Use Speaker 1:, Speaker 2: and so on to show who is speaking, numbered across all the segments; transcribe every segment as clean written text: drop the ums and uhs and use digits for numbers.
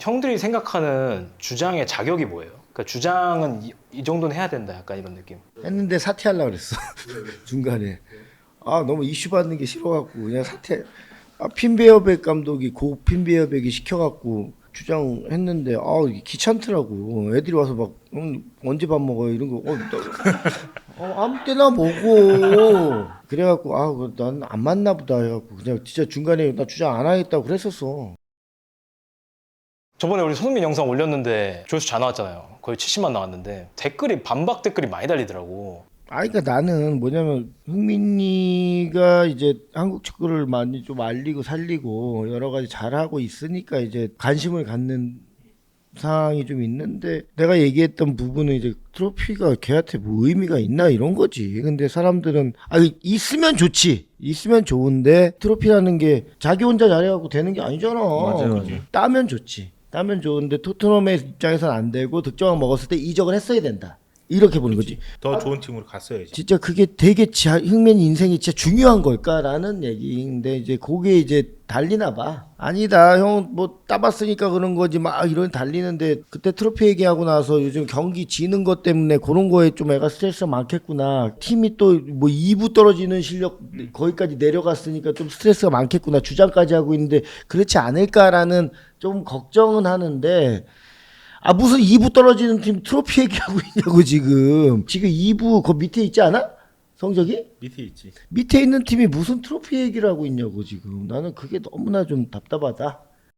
Speaker 1: 형들이 생각하는 주장의 자격이 뭐예요? 그러니까 주장은 이 정도는 해야 된다 약간 이런 느낌.
Speaker 2: 했는데 사퇴하려고 그랬어. 중간에. 아 너무 이슈 받는 게 싫어갖고 그냥 사퇴. 아 핀베어백 감독이 고 핀베어백이 시켜갖고 주장했는데 아 이게 귀찮더라고. 애들이 와서 막 언제 밥 먹어요 이런 거. 아무 때나 먹어. 그래갖고 아 난 안 맞나 보다 해갖고 그냥 진짜 중간에 나 주장 안 하겠다고 그랬었어.
Speaker 1: 저번에 우리 손흥민 영상 올렸는데 조회수 잘 나왔잖아요. 거의 70만 나왔는데 댓글이 반박 댓글이 많이 달리더라고.
Speaker 2: 아, 그러니까 나는 뭐냐면 흥민이가 이제 한국 축구를 많이 좀 알리고 살리고 여러 가지 잘하고 있으니까 이제 관심을 갖는 상황이 좀 있는데 내가 얘기했던 부분은 이제 트로피가 걔한테 뭐 의미가 있나 이런 거지. 근데 사람들은 아 있으면 좋지. 있으면 좋은데 트로피라는 게 자기 혼자 잘해갖고 되는 게 아니잖아.
Speaker 3: 맞아요.
Speaker 2: 따면 좋지. 따면 좋은데 토트넘의 입장에서는 안 되고 득점왕 먹었을 때 이적을 했어야 된다. 이렇게 보는 거지.
Speaker 4: 더 좋은 팀으로 갔어야지.
Speaker 2: 진짜 그게 되게 흥민 인생이 진짜 중요한 걸까라는 얘기인데 이제 그게 이제 달리나 봐. 아니다 형 뭐 따봤으니까 그런 거지 막 이런 달리는데 그때 트로피 얘기하고 나서 요즘 경기 지는 것 때문에 그런 거에 좀 애가 스트레스가 많겠구나. 팀이 또 뭐 2부 떨어지는 실력 거기까지 내려갔으니까 좀 스트레스가 많겠구나. 주장까지 하고 있는데 그렇지 않을까라는 좀 걱정은 하는데 아 무슨 2부 떨어지는 팀 트로피 얘기하고 있냐고 지금 2부 그 밑에 있지 않아? 성적이?
Speaker 4: 밑에 있지.
Speaker 2: 밑에 있는 팀이 무슨 트로피 얘기를 하고 있냐고 지금 나는 그게 너무나 좀 답답하다.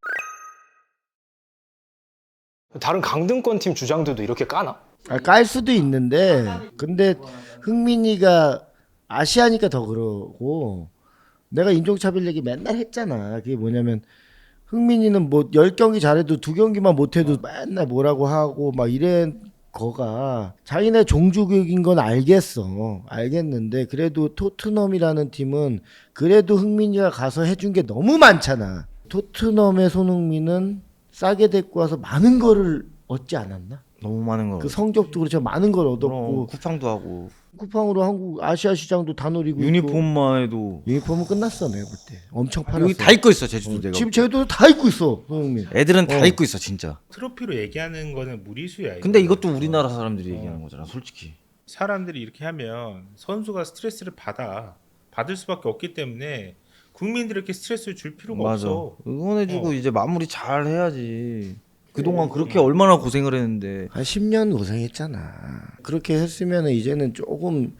Speaker 1: 다른 강등권 팀 주장들도 이렇게 까나?
Speaker 2: 아, 깔 수도 있는데 근데 흥민이가 아시아니까 더 그러고 내가 인종차별 얘기 맨날 했잖아. 그게 뭐냐면 흥민이는 뭐 10경기 잘해도 2경기만 못해도 맨날 뭐라고 하고 막 이런 거가 자기네 종주교육인 건 알겠는데 그래도 토트넘이라는 팀은 그래도 흥민이가 가서 해준 게 너무 많잖아. 토트넘의 손흥민은 싸게 데리고 와서 많은 거를 얻지 않았나?
Speaker 3: 너무 많은 거.
Speaker 2: 그 성적도 그렇죠. 많은 걸 얻었고
Speaker 3: 쿠팡도 하고
Speaker 2: 쿠팡으로 한국 아시아 시장도 다 노리고 있고.
Speaker 3: 유니폼만 해도
Speaker 2: 유니폼은 끝났어 내가 볼 때. 엄청 팔았어.
Speaker 3: 여기 다 입고 있어 제주도 내가.
Speaker 2: 지금 쟤도 다 입고 있어 손흥민.
Speaker 3: 애들은 다 입고 있어 진짜.
Speaker 4: 트로피로 얘기하는 거는 무리수야.
Speaker 3: 근데
Speaker 4: 이거는.
Speaker 3: 이것도 우리나라 사람들이 얘기하는 거잖아 솔직히.
Speaker 4: 사람들이 이렇게 하면 선수가 스트레스를 받을 수밖에 없기 때문에 국민들에게 스트레스를 줄 필요가
Speaker 3: 맞아.
Speaker 4: 없어.
Speaker 3: 응원해주고 이제 마무리 잘 해야지. 그동안 그렇게 얼마나 고생을 했는데.
Speaker 2: 한 10년 고생했잖아. 그렇게 했으면 이제는 조금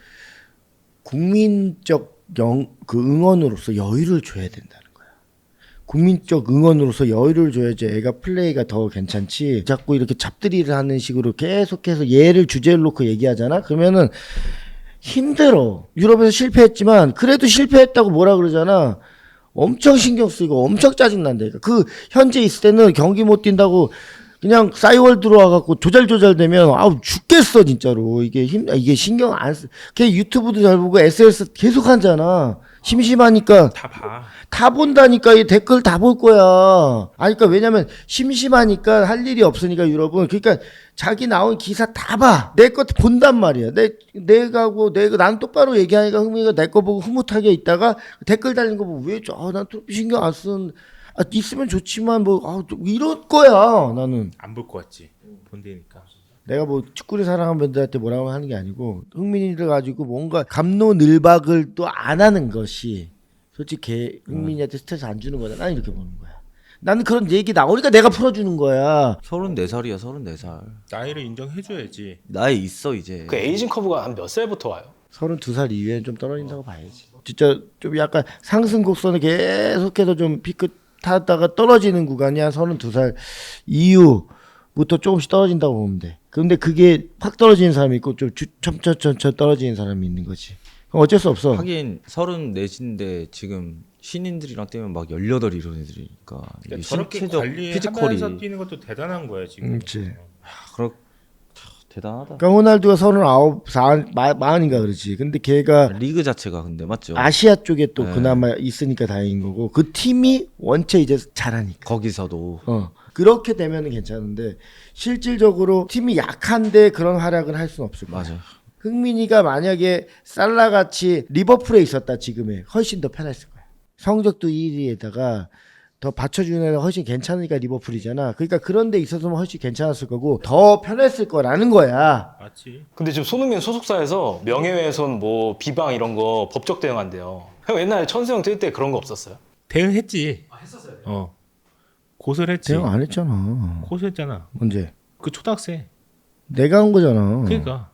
Speaker 2: 국민적 그 응원으로서 여유를 줘야 된다는 거야. 국민적 응원으로서 여유를 줘야지 애가 플레이가 더 괜찮지. 자꾸 이렇게 잡들이를 하는 식으로 계속해서 얘를 주제를 놓고 얘기하잖아. 그러면은 힘들어. 유럽에서 실패했지만 그래도 실패했다고 뭐라 그러잖아. 엄청 신경 쓰이고 엄청 짜증난다니까. 그 현재 있을 때는 경기 못 뛴다고 그냥 싸이월 들어와갖고 조잘조잘되면 아우 죽겠어 진짜로. 이게 신경 안 쓰. 걔 유튜브도 잘 보고 SNS 계속 하잖아. 심심하니까
Speaker 4: 다 봐.
Speaker 2: 다 본다니까. 이 댓글 다 볼 거야. 아니 그러니까 왜냐면 심심하니까 할 일이 없으니까 유럽은. 그러니까 자기 나온 기사 다 봐. 내 거 본단 말이야. 내가 난 똑바로 얘기하니까 흥미가 내 거 보고 흐뭇하게 있다가 댓글 달린 거 보고 난 트로피 신경 안 쓰는. 있으면 좋지만 이럴 거야 나는.
Speaker 4: 안 볼 것 같지. 본대니까.
Speaker 2: 내가 뭐 축구를 사랑하는 분들한테 뭐라고 하는 게 아니고 흥민이를 가지고 뭔가 갑론을박을 또 안 하는 것이 솔직히 흥민이한테 스트레스 안 주는 거잖아. 이렇게 보는 거야. 나는 그런 얘기 나오니까 내가 풀어주는 거야.
Speaker 3: 34살이야 34살.
Speaker 4: 나이를 인정해줘야지.
Speaker 3: 나이 있어 이제.
Speaker 1: 그 에이징 커브가 한 몇 살부터 와요?
Speaker 2: 32살 이후에는 좀 떨어진다고 봐야지. 진짜 좀 약간 상승 곡선을 계속해서 좀 피크 타다가 떨어지는 구간이 한 32살 이후부터 조금씩 떨어진다고 보면 돼. 근데 그게 확 떨어지는 사람이 있고 좀 첨첨첨첨 떨어지는 사람이 있는 거지. 그럼 어쩔 수 없어.
Speaker 3: 하긴 34인데 지금 신인들이랑 뛰면 막 18 이런 애들이니까 이게
Speaker 4: 그러니까 저렇게
Speaker 3: 신체적
Speaker 4: 관리하면서
Speaker 3: 피지컬이
Speaker 4: 뛰는 것도 대단한 거야 지금.
Speaker 2: 그렇지.
Speaker 3: 대단하다.
Speaker 2: 그러니까 호날두가 39, 40인가 그러지. 근데 걔가
Speaker 3: 리그 자체가 근데 맞죠?
Speaker 2: 아시아 쪽에 또
Speaker 3: 네.
Speaker 2: 그나마 있으니까 다행인 거고 그 팀이 원체 이제 잘하니까.
Speaker 3: 거기서도
Speaker 2: 그렇게 되면은 괜찮은데 실질적으로 팀이 약한데 그런 활약을 할 수는 없을 거야.
Speaker 3: 맞아요.
Speaker 2: 흥민이가 만약에 살라같이 리버풀에 있었다 지금에 훨씬 더 편했을 거야. 성적도 1위에다가 더 받쳐주는 애가 훨씬 괜찮으니까 리버풀이잖아. 그러니까 그런 데 있어서는 훨씬 괜찮았을 거고 더 편했을 거라는 거야.
Speaker 4: 맞지.
Speaker 1: 근데 지금 손흥민 소속사에서 명예훼손 뭐 비방 이런 거 법적 대응한대요. 형 옛날에 천수형 뛸 때 그런 거 없었어요?
Speaker 4: 대응했지. 했었어요. 고소를 했지.
Speaker 2: 대응 안 했잖아.
Speaker 4: 고소했잖아.
Speaker 2: 언제?
Speaker 4: 그 초등학생.
Speaker 2: 내가 한 거잖아.
Speaker 4: 그러니까.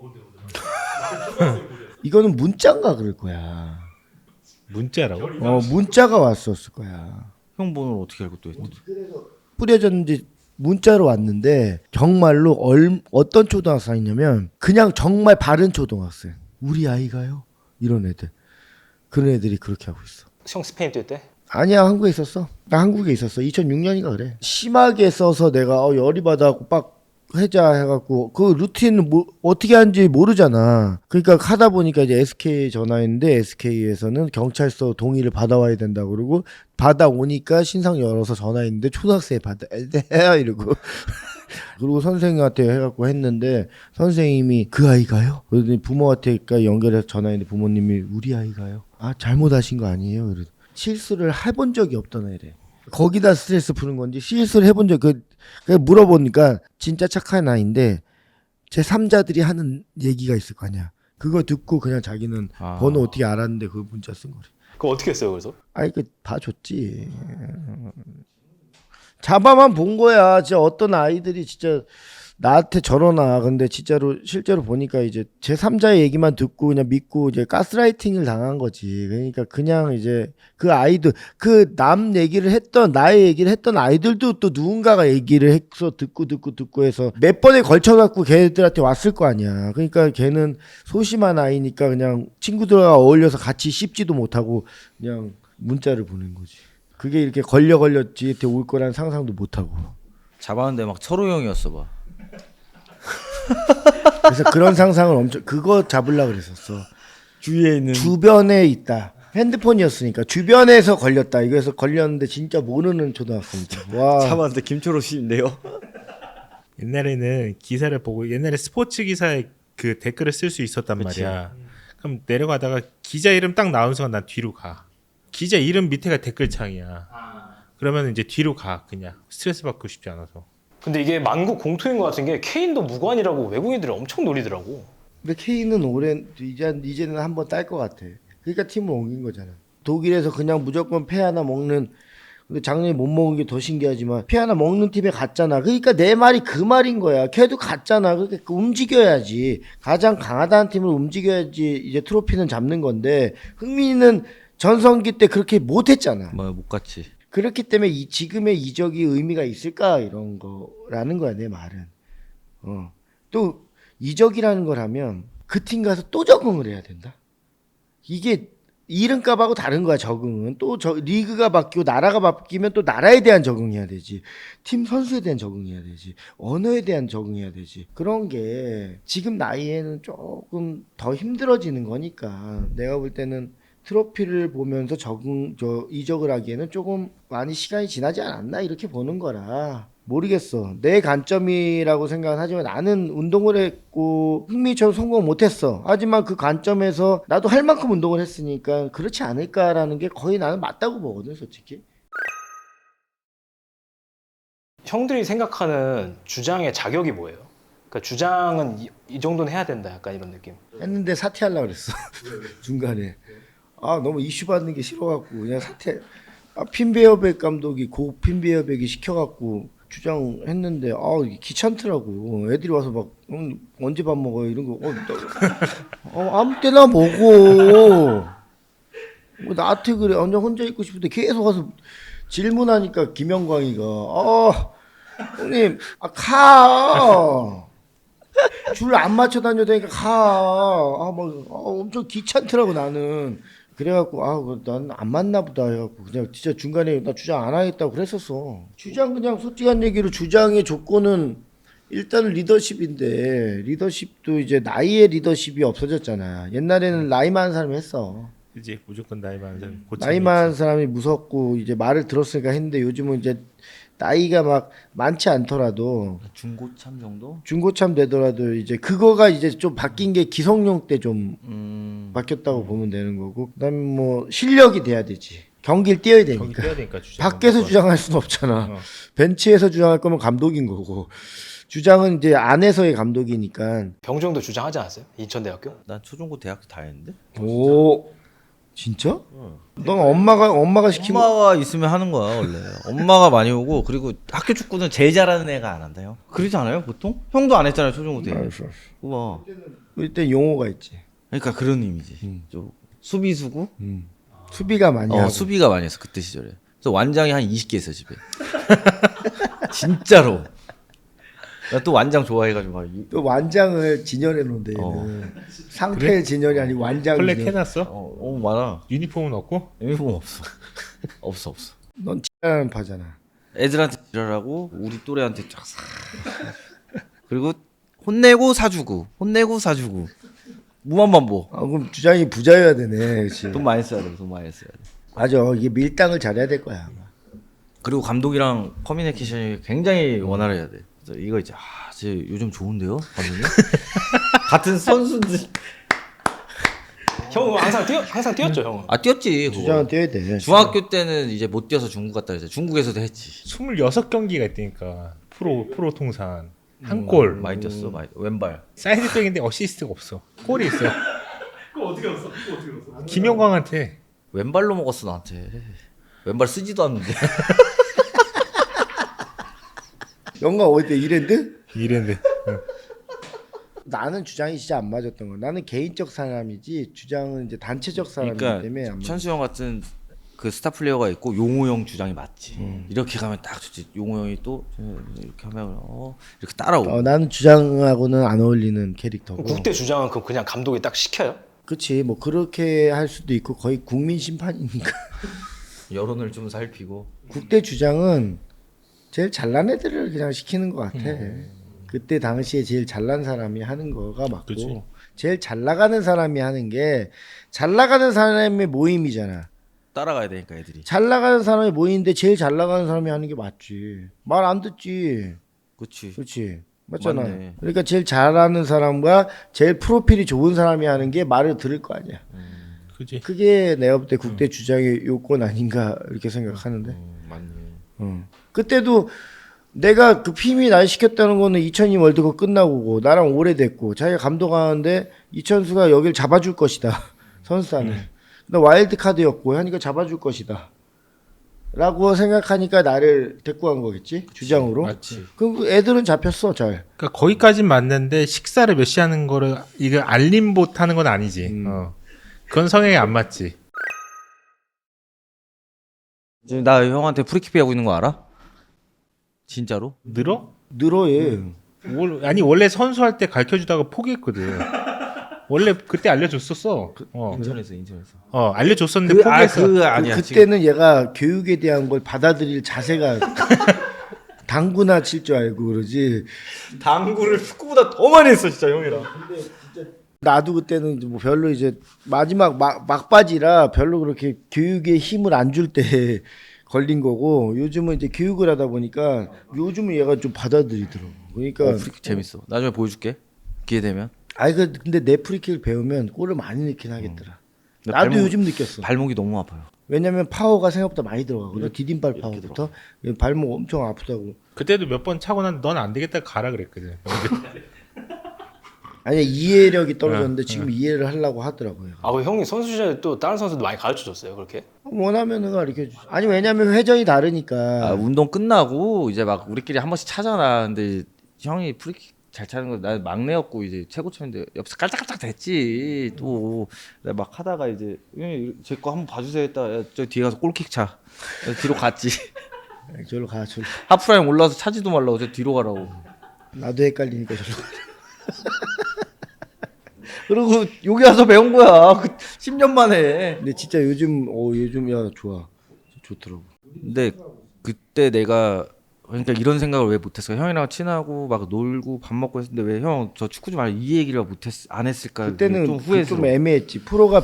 Speaker 2: 이거는 문자인가 그럴 거야.
Speaker 4: 문자라고?
Speaker 2: 문자가 왔었을 거야.
Speaker 3: 형 번호를 어떻게 알고 또 했대?
Speaker 2: 뿌려졌는지 문자로 왔는데 정말로 어떤 초등학생이냐면 그냥 정말 바른 초등학생. 우리 아이가요? 이런 애들. 그런 애들이 그렇게 하고 있어.
Speaker 1: 형 스페인 뛸 때?
Speaker 2: 아니야, 한국에 있었어. 나 한국에 있었어. 2006년인가 그래. 심하게 써서 내가 열이 받아갖고 빡 해자 해갖고 그 루틴 뭐 어떻게 하는지 모르잖아. 그러니까 하다 보니까 이제 SK 전화했는데 SK에서는 경찰서 동의를 받아와야 된다 그러고 받아오니까 신상 열어서 전화했는데 초등학생이 받아 이러고 그리고 선생님한테 해갖고 했는데 선생님이 그 아이가요? 그러더니 부모한테까 연결해서 전화했는데 부모님이 우리 아이가요? 아 잘못하신 거 아니에요? 그래서 실수를 해본 적이 없던 애래. 거기다 스트레스 푸는 건지 실수를 해본 적 물어보니까 진짜 착한 아이인데 제 3자들이 하는 얘기가 있을 거 아니야. 그거 듣고 그냥 자기는 번호 어떻게 알았는데 그 문자 쓴 거래.
Speaker 1: 그거 어떻게 했어요 그래서?
Speaker 2: 아니 그 봐줬지. 잡아만 본 거야. 진짜 어떤 아이들이 진짜 나한테 저러나. 근데 진짜로 실제로 보니까 이제 제 3자의 얘기만 듣고 그냥 믿고 이제 가스라이팅을 당한 거지. 그러니까 그냥 이제 그 아이들 그 남 얘기를 했던 나의 얘기를 했던 아이들도 또 누군가가 얘기를 해서 듣고 해서 몇 번에 걸쳐 갖고 걔들한테 왔을 거 아니야. 그러니까 걔는 소심한 아이니까 그냥 친구들과 어울려서 같이 씹지도 못하고 그냥 문자를 보낸 거지. 그게 이렇게 걸려 지한테 올 거란 상상도 못 하고.
Speaker 3: 잡았는데 막 철호 형이었어 봐.
Speaker 2: 그래서 그런 상상을 엄청 그거 잡으려고 그랬었어.
Speaker 3: 주위에 있는
Speaker 2: 주변에 있다. 핸드폰이었으니까 주변에서 걸렸다. 이거에서 걸렸는데 진짜 모르는 초등학생들. 와.
Speaker 3: 잡았는데 김철호 씨인데요.
Speaker 4: 옛날에는 기사를 보고 옛날에 스포츠 기사에 그 댓글을 쓸 수 있었단
Speaker 3: 그치.
Speaker 4: 말이야. 그럼 내려가다가 기자 이름 딱 나온 순간 난 뒤로 가. 기자 이름 밑에가 댓글창이야. 그러면 이제 뒤로 가 그냥 스트레스 받고 싶지 않아서.
Speaker 1: 근데 이게 만국 공통인 것 같은 게 케인도 무관이라고 외국인들이 엄청 노리더라고.
Speaker 2: 근데 K는 이제는 한번 딸 것 같아. 그러니까 팀을 옮긴 거잖아. 독일에서 그냥 무조건 패 하나 먹는. 근데 작년에 못 먹은 게 더 신기하지만 패 하나 먹는 팀에 갔잖아. 그러니까 내 말이 그 말인 거야. 걔도 갔잖아. 그러니까 움직여야지. 가장 강하다는 팀을 움직여야지 이제 트로피는 잡는 건데 흥민이는 전성기 때 그렇게 못했잖아.
Speaker 3: 뭐 못 갔지.
Speaker 2: 그렇기 때문에 지금의 이적이 의미가 있을까 이런 거라는 거야 내 말은. 또 이적이라는 걸 하면 그 팀 가서 또 적응을 해야 된다. 이게 이름값하고 다른 거야 적응은. 또 리그가 바뀌고 나라가 바뀌면 또 나라에 대한 적응해야 되지. 팀 선수에 대한 적응해야 되지. 언어에 대한 적응해야 되지. 그런 게 지금 나이에는 조금 더 힘들어지는 거니까 내가 볼 때는 트로피를 보면서 이적을 하기에는 조금 많이 시간이 지나지 않았나 이렇게 보는 거라. 모르겠어. 내 관점이라고 생각은 하지만 나는 운동을 했고 흥미처럼 성공 못했어. 하지만 그 관점에서 나도 할 만큼 운동을 했으니까 그렇지 않을까라는 게 거의 나는 맞다고 보거든 솔직히.
Speaker 1: 형들이 생각하는 주장의 자격이 뭐예요? 그러니까 주장은 이 정도는 해야 된다 약간 이런 느낌.
Speaker 2: 했는데 사퇴하려고 그랬어. 중간에. 아 너무 이슈 받는 게 싫어갖고 그냥 사퇴. 핀베어백 감독이 핀베어백이 시켜갖고 주장했는데 귀찮더라고. 애들이 와서 막 언제 밥 먹어요 이런 거. 아무 때나 먹어. 나한테 그래. 완전 혼자 있고 싶은데 계속 와서 질문하니까 김영광이가 형님 가. 줄 안 맞춰 다녀다니까 가. 엄청 귀찮더라고 나는. 그래갖고 난 안 맞나 보다 해갖고 그냥 진짜 중간에 나 주장 안 하겠다고 그랬었어. 주장 그냥 솔직한 얘기로 주장의 조건은 일단은 리더십인데 리더십도 이제 나이의 리더십이 없어졌잖아. 옛날에는 나이 많은 사람이 했어.
Speaker 4: 이제 무조건 나이 많은 사람.
Speaker 2: 나이 많은 사람이 무섭고 이제 말을 들었으니까 했는데 요즘은 이제 나이가 막 많지 않더라도
Speaker 3: 중고참 정도?
Speaker 2: 중고참 되더라도 이제 그거가 이제 좀 바뀐 게 기성용 때 좀 바뀌었다고 보면 되는 거고 그다음에 뭐 실력이 돼야 되지. 경기를 뛰어야
Speaker 4: 경기
Speaker 2: 되니까.
Speaker 4: 뛰어야 되니까 주장.
Speaker 2: 밖에서 주장할 수는 없잖아.
Speaker 4: 어.
Speaker 2: 벤치에서 주장할 거면 감독인 거고. 주장은 이제 안에서의 감독이니까.
Speaker 1: 병정도 주장하지 않았어요? 인천대학교?
Speaker 3: 난 초중고 대학교 다 했는데.
Speaker 2: 오, 진짜? 넌 엄마가 시키면
Speaker 3: 엄마가 있으면 하는 거야 원래. 엄마가 많이 오고 그리고 학교 축구는 제일 잘하는 애가 안 한다요. 그러지 않아요 보통? 형도 안 했잖아요 초중고 때.
Speaker 2: 알았어.
Speaker 3: 우와.
Speaker 2: 일단 용어가 있지.
Speaker 3: 그러니까 그런 의미지. 좀 수비수고.
Speaker 2: 수비가 많이 하고.
Speaker 3: 수비가 많이 했어 그때 시절에. 그래서 완장이 한 20개 있어 집에. 진짜로. 나 또 완장 좋아해가지고 막
Speaker 2: 또 완장을 진열해 놓은데 얘는 상태 진열이 아니고 완장
Speaker 4: 플렉
Speaker 2: 진열.
Speaker 4: 해놨어?
Speaker 3: 많아.
Speaker 4: 유니폼은 없고?
Speaker 3: 유니폼 없어. 없어.
Speaker 2: 넌 X라는 파잖아.
Speaker 3: 애들한테 지랄하고 우리 또래한테 쫙 사. 그리고 혼내고 사주고 무한반복.
Speaker 2: 아, 그럼 주장이 부자여야 되네. 그렇지.
Speaker 3: 돈 많이 써야 돼. 돈 많이 써야 돼.
Speaker 2: 맞아. 이게 밀당을 잘해야 될 거야. 아마.
Speaker 3: 그리고 감독이랑 커뮤니케이션이 굉장히 원활해야 돼. 그래서 이거 이제 쟤 요즘 좋은데요, 감독님? 같은 선수들.
Speaker 1: 형은 항상 뛰었죠, 형은.
Speaker 3: 뛰었지. 그거.
Speaker 2: 주장은 뛰어야 돼.
Speaker 3: 중학교 때는 이제 못 뛰어서 중국 갔다 그랬어. 중국에서도 했지.
Speaker 4: 26경기가 있다니까. 프로 통산. 한 골.
Speaker 3: 많이 뛰었어, 많이. 왼발.
Speaker 4: 사이드백인데 어시스트가 없어. 골이 있어. 그거 어떻게 갔어? 김영광한테.
Speaker 3: 왼발로 먹었어 나한테. 왼발 쓰지도 않는데.
Speaker 2: 영광 어디 때 이랜드?
Speaker 4: 이랬는데.
Speaker 2: 나는 주장이 진짜 안 맞았던 거. 나는 개인적 사람이지 주장은 이제 단체적 사람이기
Speaker 3: 그러니까
Speaker 2: 때문에 안 맞아.
Speaker 3: 천수 형 같은 그 스타 플레이어가 있고 용호 형 주장이 맞지. 이렇게 가면 딱 좋지. 용호 형이 또 이렇게 하면 이렇게 따라오고.
Speaker 2: 나는 주장하고는 안 어울리는 캐릭터고.
Speaker 1: 국대 주장은 그냥 감독이 딱 시켜요?
Speaker 2: 그렇지. 뭐 그렇게 할 수도 있고 거의 국민 심판이니까.
Speaker 3: 여론을 좀 살피고.
Speaker 2: 국대 주장은 제일 잘난 애들을 그냥 시키는 것 같아. 그때 당시에 제일 잘난 사람이 하는 거가 맞고
Speaker 4: 그치.
Speaker 2: 제일 잘 나가는 사람이 하는 게 잘 나가는 사람의 모임이잖아.
Speaker 3: 따라가야 되니까 애들이.
Speaker 2: 잘 나가는 사람이 모이는데 제일 잘 나가는 사람이 하는 게 맞지. 말 안 듣지.
Speaker 3: 그렇지.
Speaker 2: 그렇지. 맞잖아.
Speaker 3: 맞네.
Speaker 2: 그러니까 제일 잘하는 사람과 제일 프로필이 좋은 사람이 하는 게 말을 들을 거 아니야.
Speaker 4: 그지.
Speaker 2: 그게 내가 볼 때 국대 주장의 요건 아닌가 이렇게 생각하는데.
Speaker 3: 맞네.
Speaker 2: 그때도 내가 그 피미 날 시켰다는 거는 2002 월드컵 끝나고고 나랑 오래됐고 자기가 감독하는데 이천수가 여길 잡아줄 것이다. 선수단을. 나 와일드 카드였고 하니까 잡아줄 것이다. 라고 생각하니까 나를 데리고 간 거겠지? 주장으로.
Speaker 4: 맞지.
Speaker 2: 그럼 애들은 잡혔어, 잘.
Speaker 4: 그러니까 거기까진 맞는데 식사를 몇 시 하는 거를 이거 알림봇 하는 건 아니지. 그건 성향이 안 맞지.
Speaker 3: 지금 나 형한테 프리킥 하고 있는 거 알아? 진짜로?
Speaker 4: 늘어?
Speaker 2: 늘어 얘.
Speaker 4: 아니 원래 선수할 때 가르쳐 주다가 포기했거든. 원래 그때 알려줬었어.
Speaker 3: 인천에서.
Speaker 4: 알려줬었는데 포기했어.
Speaker 3: 아니야.
Speaker 2: 그때는 얘가 교육에 대한 걸 받아들일 자세가 당구나 칠 줄 알고 그러지.
Speaker 3: 당구를 축구보다 더 많이 했어 진짜 형이랑.
Speaker 2: 나도 그때는 뭐 별로 이제 마지막 막바지라 별로 그렇게 교육에 힘을 안 줄 때 걸린 거고 요즘은 이제 교육을 하다 보니까 요즘은 얘가 좀 받아들이더라고. 그러니까
Speaker 3: 프리킥 재밌어. 나중에 보여줄게. 기회 되면.
Speaker 2: 근데 내 프리킥을 배우면 골을 많이 넣긴 하겠더라.
Speaker 3: 근데
Speaker 2: 나도 요즘 느꼈어.
Speaker 3: 발목이 너무 아파요.
Speaker 2: 왜냐면 파워가 생각보다 많이 들어가거든. 디딤발 파워부터 발목 엄청 아프다고.
Speaker 4: 그때도 몇 번 차고 난 넌 안 되겠다 가라 그랬거든.
Speaker 2: 아니 이해력이 떨어졌는데 지금 이해를 하려고 하더라고요.
Speaker 1: 그 형이 선수 시절에 또 다른 선수들 많이 가르쳐 줬어요, 그렇게?
Speaker 2: 원하면은 가르쳐 주. 아니 왜냐면 회전이 다르니까.
Speaker 3: 운동 끝나고 이제 막 우리끼리 한 번씩 차잖아. 근데 형이 프리킥 잘 차는 거 나 막내였고 이제 최고쳤는데 옆에서 깔짝깔짝 됐지. 또 내가 막 하다가 이제 제 거 한번 봐주세요 했다. 야, 저 뒤에 가서 골킥 차. 뒤로 갔지.
Speaker 2: 저로 가. 저로.
Speaker 3: 하프라인 올라와서 차지도 말라고 저 뒤로 가라고.
Speaker 2: 나도 헷갈리니까 저로 가.
Speaker 3: 그리고 여기 와서 배운 거야. 10년 만에.
Speaker 2: 근데 진짜 요즘 야 좋아. 좋더라고.
Speaker 3: 근데 그때 내가 그러니까 이런 생각을 왜 못했을까? 형이랑 친하고 막 놀고 밥 먹고 했는데 왜 형 저 축구 좀 이 얘기를 안 했을까?
Speaker 2: 그때는
Speaker 3: 좀 후회스러워.
Speaker 2: 좀 애매했지. 프로가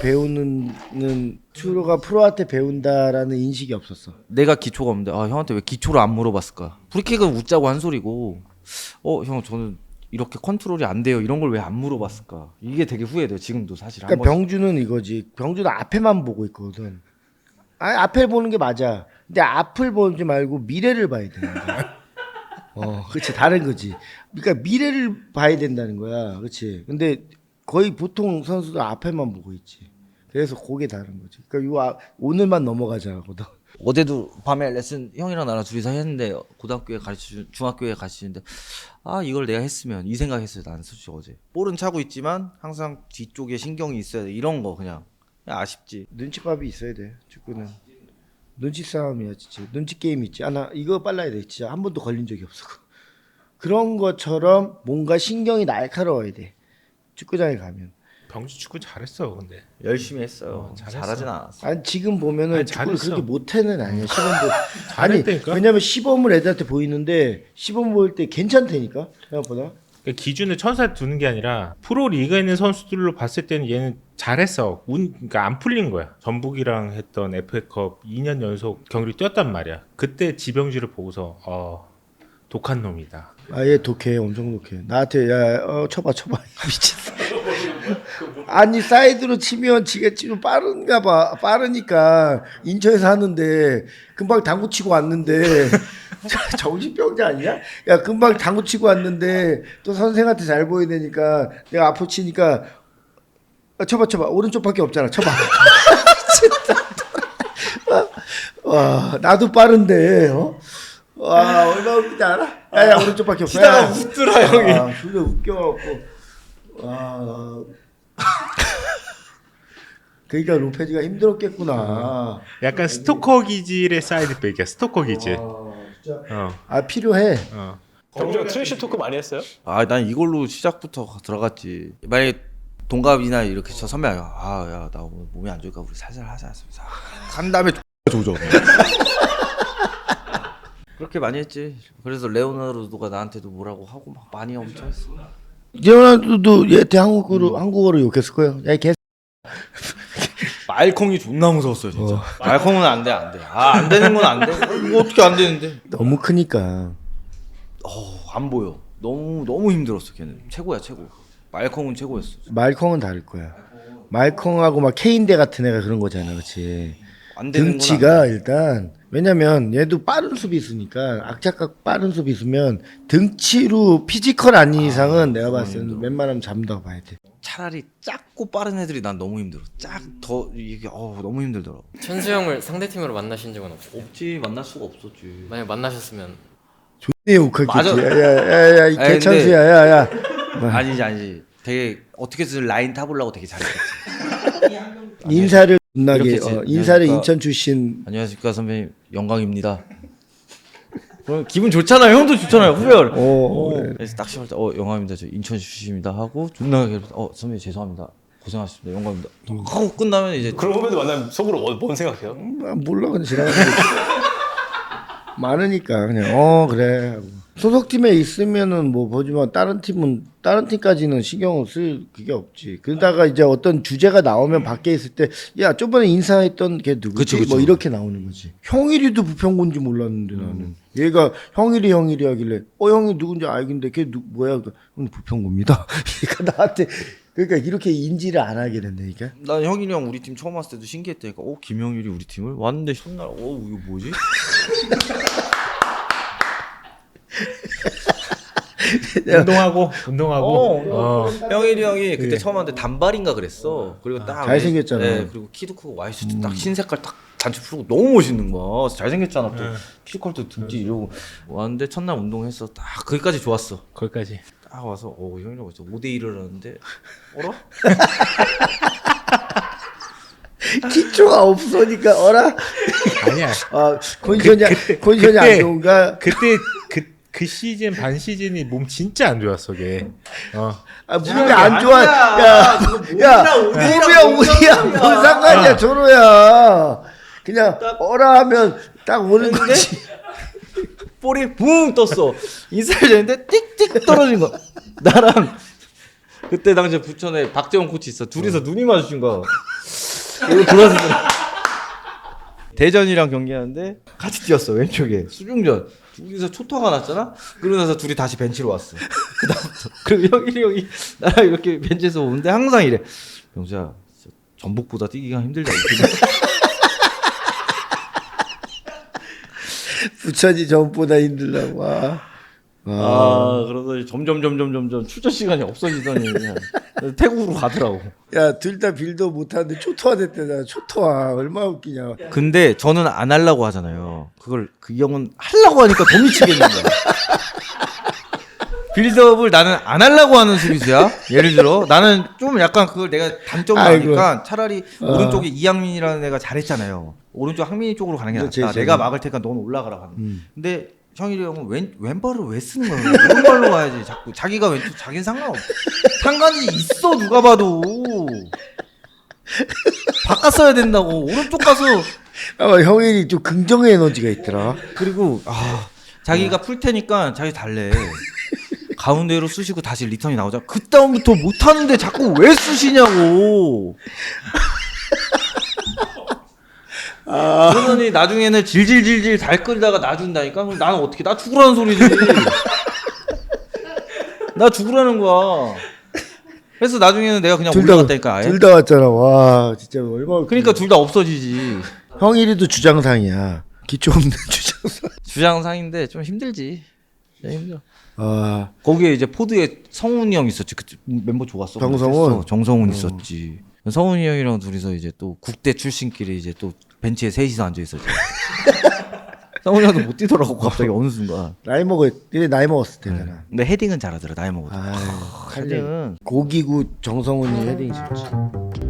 Speaker 2: 프로한테 배운다라는 인식이 없었어.
Speaker 3: 내가 기초가 없는데 형한테 왜 기초를 안 물어봤을까? 프리킥은 웃자고 한 소리고 형 저는 이렇게 컨트롤이 안 돼요. 이런 걸 왜 안 물어봤을까? 이게 되게 후회돼요. 지금도 사실.
Speaker 2: 그러니까 병주는 이거지. 병주는 앞에만 보고 있거든. 앞을 보는 게 맞아. 근데 앞을 보지 말고 미래를 봐야 되는 거야. 그렇지. 다른 거지. 그러니까 미래를 봐야 된다는 거야. 그렇지. 근데 거의 보통 선수들 앞에만 보고 있지. 그래서 그게 다른 거지. 그러니까 오늘만 넘어가자거든.
Speaker 3: 어제도 밤에 레슨 형이랑 나랑 둘이서 했는데 고등학교에 중학교에 가르치는데 이걸 내가 했으면 이 생각했어요. 나는 솔직히 어제 볼은 차고 있지만 항상 뒤쪽에 신경이 있어야 돼. 이런 거 그냥 아쉽지.
Speaker 2: 눈치밥이 있어야 돼. 축구는 눈치 싸움이야 진짜. 눈치 게임 있지. 나 이거 빨라야 돼. 진짜 한 번도 걸린 적이 없어. 그런 것처럼 뭔가 신경이 날카로워야 돼. 축구장에 가면.
Speaker 4: 병주 축구 잘했어 근데.
Speaker 3: 열심히 했어요.
Speaker 4: 잘했어.
Speaker 3: 잘하진 않았어.
Speaker 2: 아니 지금 보면은
Speaker 4: 아니,
Speaker 2: 축구를
Speaker 4: 잘했어.
Speaker 2: 그렇게 못해는 아니야. 시범
Speaker 4: 잘했다니까?
Speaker 2: 왜냐면 시범을 애들한테 보이는데 시범 보일 때 괜찮다니까 생각보다.
Speaker 4: 그러니까 기준을 천사에 두는 게 아니라 프로 리그에 있는 선수들로 봤을 때는 얘는 잘했어. 그러니까 안 풀린 거야. 전북이랑 했던 FA컵 2년 연속 경기를 뛰었단 말이야. 그때 지병주를 보고서 독한 놈이다.
Speaker 2: 얘 독해. 엄청 독해. 나한테 쳐봐 미친. 아니 사이드로 치면 지가 치면 빠른가 봐. 빠르니까 인천에서 하는데 금방 당구 치고 왔는데 정신병자 아니야? 야 금방 당구 치고 왔는데 또 선생한테 잘 보여야 되니까 내가 앞으로 치니까 쳐봐 오른쪽밖에 없잖아. 쳐봐. 와 나도 빠른데 와 얼마나 웃기지 않아? 야 오른쪽밖에 없어.
Speaker 3: 치다가 웃더라 형이.
Speaker 2: 존나 웃겨갖고 그러니까 로페즈가 힘들었겠구나.
Speaker 4: 약간 스토커 기질의 사이드백이야. 스토커 기질.
Speaker 2: 진짜. 필요해.
Speaker 1: 병주가 트래시 토크 많이 했어요?
Speaker 3: 난 이걸로 시작부터 들어갔지. 만약에 동갑이나 이렇게 저 선배가 야 나 오늘 몸이 안 좋으니까 우리 살살 하자. 한 다음에 조져. 그렇게 많이 했지. 그래서 레오나르도가 나한테도 뭐라고 하고 막 많이 엄청 했어.
Speaker 2: 레오나르도도 얘한테 한국어로 욕했을 거예요. 야, 개.
Speaker 3: 말콩이 존나 무서웠어요 진짜. 말콩은 안 돼. 안 되는 건 안 돼. 이거 어떻게 안 되는데?
Speaker 2: 너무 크니까.
Speaker 3: 안 보여. 너무 힘들었어 걔는. 최고야 최고. 말콩은 최고였어.
Speaker 2: 말콩은 다를 거야. 말콩하고 막 케인대 같은 애가 그런 거잖아, 그렇지?
Speaker 3: 안 되는 건
Speaker 2: 등치가 일단 왜냐면 얘도 빠른 수비수니까 악착각 빠른 수비수면 등치로 피지컬 아닌 이상은 내가 봤을 때는 웬만하면 잡는다고 봐야 돼.
Speaker 3: 차라리 작고 빠른 애들이 난 너무 힘들어. 이게 너무 힘들더라고.
Speaker 5: 천수 형을 상대팀으로 만나신 적은 없어요?
Speaker 3: 없지 만날 수가 없었지.
Speaker 5: 만약 만나셨으면
Speaker 2: 존내 욕하겠지.
Speaker 3: 맞아.
Speaker 2: 야야야야 이
Speaker 3: 아니,
Speaker 2: 개천수야 야야.
Speaker 3: 아니지. 되게 어떻게든 라인 타보려고 되게 잘했겠지.
Speaker 2: 인사를 존나게
Speaker 3: 이렇게 지-
Speaker 2: 인사를
Speaker 3: 그러니까-
Speaker 2: 인천 출신.
Speaker 3: 안녕하십니까 선배님 영광입니다. 그럼 기분 좋잖아요. 형도 좋잖아요. 후배를.
Speaker 2: 그래.
Speaker 3: 그래서 딱 시작할 때 영광입니다. 저 인천 출신입니다 하고 존나 선배님 죄송합니다. 고생하셨습니다. 영광입니다. 하고 끝나면 이제
Speaker 1: 그런 후배들 만나면 속으로 뭔 생각해요?
Speaker 2: 몰라 그냥 지나가는 거지. 많으니까 그냥 그래 하고. 소속팀에 있으면은 뭐 보지만 다른 팀까지는 신경을 쓸 그게 없지. 그러다가 이제 어떤 주제가 나오면 밖에 있을 때 야 저번에 인사했던 걔 누구지?
Speaker 3: 그쵸.
Speaker 2: 뭐 이렇게 나오는 거지. 형일이도 부평군지 몰랐는데 나는 얘가 형일이 하길래 형이 누군지 알겠는데 걔 뭐야? 부평구입니다. 그러니까 나한테 그러니까 이렇게 인지를 안 하게 된다니까.
Speaker 3: 난 형이랑 형 우리 팀 처음 왔을 때도 신기했다니까. 김영일이 우리 팀을 왔는데 첫날 이거 뭐지?
Speaker 4: 운동하고.
Speaker 3: 형일이 형이 그때 처음 왔는데 단발인가 그랬어. 그리고 딱
Speaker 2: 잘생겼잖아.
Speaker 3: 네, 그리고 키도 크고 와이셔츠 딱 흰색깔 딱 단추 풀고 너무 멋있는 거야. 잘생겼잖아 또. 피지컬도 등지 이러고 왔는데 첫날 운동했어. 딱 거기까지 좋았어.
Speaker 4: 거기까지.
Speaker 3: 딱 와서 형이랑 진짜 5대1을 하는데 어라?
Speaker 2: 기초가 없으니까
Speaker 4: 아니야.
Speaker 2: 컨디션이 안 좋은가?
Speaker 4: 그 시즌 반 시즌이 몸 진짜 안 좋았어 걔.
Speaker 2: 몸이 안 좋아. 야, 몸이랑 우리야 뭔 상관이야, 조로야. 그냥 하면 딱 오는 거지.
Speaker 3: 볼이 붕 떴어. 인사를 했는데 띡띡 떨어진 거야. 나랑 그때 당시에 부천에 박재원 코치 있어. 둘이서 눈이 마주친 거야. 이거 돌아서 대전이랑 경기하는데 같이 뛰었어. 왼쪽에 수중전. 둘이서 초토가 났잖아. 그러고 나서 둘이 다시 벤치로 왔어. 그다음부터 그리고 형이 나랑 이렇게 벤치에서 오는데 항상 이래. 병수야 전북보다 뛰기가 힘들다.
Speaker 2: 부천이 전보다 힘들다고. 와.
Speaker 3: 그러더니 점점 출전 시간이 없어지더니 그냥 태국으로 가더라고.
Speaker 2: 야, 둘 다 빌더 못하는데 초토화 됐대잖아. 초토화. 얼마나 웃기냐.
Speaker 3: 근데 저는 안 하려고 하잖아요. 그걸 그 형은 하려고 하니까 더 미치겠는 거야. 빌드업을 나는 안 하려고 하는 수비수야. 예를 들어 나는 좀 약간 그걸 내가 단점을
Speaker 2: 아이고.
Speaker 3: 아니까 차라리 오른쪽에 이양민이라는 애가 잘했잖아요. 오른쪽 항민이 쪽으로 가는 게
Speaker 2: 그렇지,
Speaker 3: 낫다.
Speaker 2: 그렇지.
Speaker 3: 내가 막을 테니까 넌 올라가라 하는. 근데 형일이 형은 왼발을 왜 쓰는 거야? 오른발로 가야지. 자꾸 자기가 왼쪽 자기는 상관이 있어 누가 봐도. 바꿨어야 된다고. 오른쪽 가서
Speaker 2: 형이 좀 긍정의 에너지가 있더라.
Speaker 3: 그리고 자기가 풀 테니까 자기 달래. 가운데로 쑤시고 다시 리턴이 나오자. 그 다음부터 못 하는데 자꾸 왜 쑤시냐고. 그러더니 나중에는 질질질질 달 끓이다가 놔준다니까. 그럼 나는 어떻게? 나 죽으라는 소리지. 나 죽으라는 거야. 그래서 나중에는 내가 그냥 올라갔다니까 아예.
Speaker 2: 둘 다 왔잖아. 와, 진짜 얼마나.
Speaker 3: 그러니까 둘 다 없어지지.
Speaker 2: 형일이도 주장상이야. 기초 없는 주장상.
Speaker 3: 주장상인데 좀 힘들지. 진짜 힘들어.
Speaker 2: 아,
Speaker 3: 거기에 이제 포드에 성훈이 형 있었지. 그 멤버 좋았어.
Speaker 2: 정성훈?
Speaker 3: 정성훈 있었지. 성훈이 형이랑 둘이서 이제 또 국대 출신끼리 이제 또 벤치에 셋이서 앉아 있었지. 성훈이 형도 못 뛰더라고 갑자기 어느 순간.
Speaker 2: 나이 먹었을 때잖아.
Speaker 3: 근데 헤딩은 잘하더라 나이 먹어도.
Speaker 2: 아,
Speaker 3: 헤딩은
Speaker 2: 고기구 정성훈이 헤딩이 좋지.